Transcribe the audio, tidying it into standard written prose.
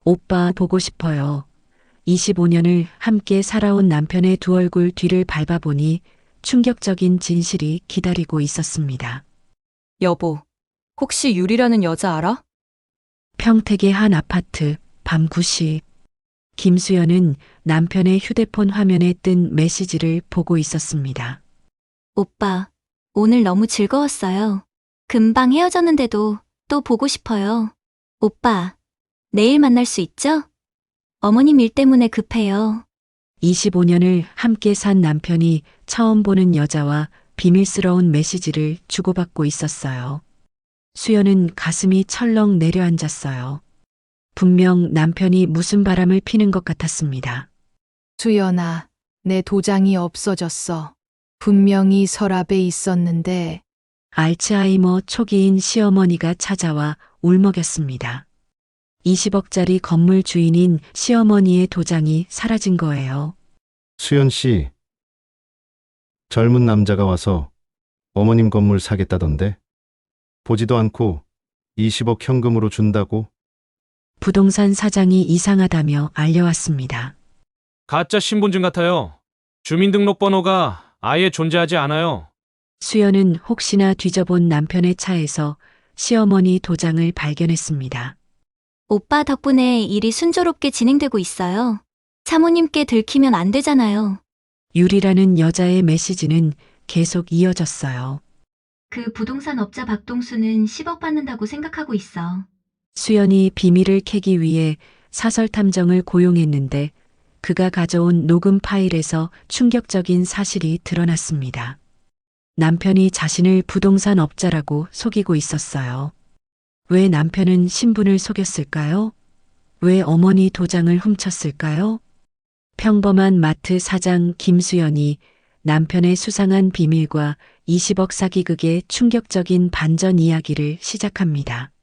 오빠 보고 싶어요. 25년을 함께 살아온 남편의 두 얼굴 뒤를 밟아보니 충격적인 진실이 기다리고 있었습니다. 여보, 혹시 유리라는 여자 알아? 평택의 한 아파트, 밤 9시. 김수연은 남편의 휴대폰 화면에 뜬 메시지를 보고 있었습니다. 오빠, 오늘 너무 즐거웠어요. 금방 헤어졌는데도 또 보고 싶어요. 오빠, 내일 만날 수 있죠? 어머님 일 때문에 급해요. 25년을 함께 산 남편이 처음 보는 여자와 비밀스러운 메시지를 주고받고 있었어요. 수연은 가슴이 철렁 내려앉았어요. 분명 남편이 무슨 바람을 피는 것 같았습니다. 수연아, 내 도장이 없어졌어. 분명히 서랍에 있었는데 알츠하이머 초기인 시어머니가 찾아와 울먹였습니다. 20억짜리 건물 주인인 시어머니의 도장이 사라진 거예요. 수연 씨, 젊은 남자가 와서 어머님 건물 사겠다던데? 보지도 않고 20억 현금으로 준다고? 부동산 사장이 이상하다며 알려왔습니다. 가짜 신분증 같아요. 주민등록번호가 아예 존재하지 않아요. 수연은 혹시나 뒤져본 남편의 차에서 시어머니 도장을 발견했습니다. 오빠 덕분에 일이 순조롭게 진행되고 있어요. 사모님께 들키면 안 되잖아요. 유리라는 여자의 메시지는 계속 이어졌어요. 그 부동산 업자 박동수는 10억 받는다고 생각하고 있어. 수연이 비밀을 캐기 위해 사설 탐정을 고용했는데 그가 가져온 녹음 파일에서 충격적인 사실이 드러났습니다. 남편이 자신을 부동산 업자라고 속이고 있었어요. 왜 남편은 신분을 속였을까요? 왜 어머니 도장을 훔쳤을까요? 평범한 마트 사장 김수연이 남편의 수상한 비밀과 20억 사기극의 충격적인 반전 이야기를 시작합니다.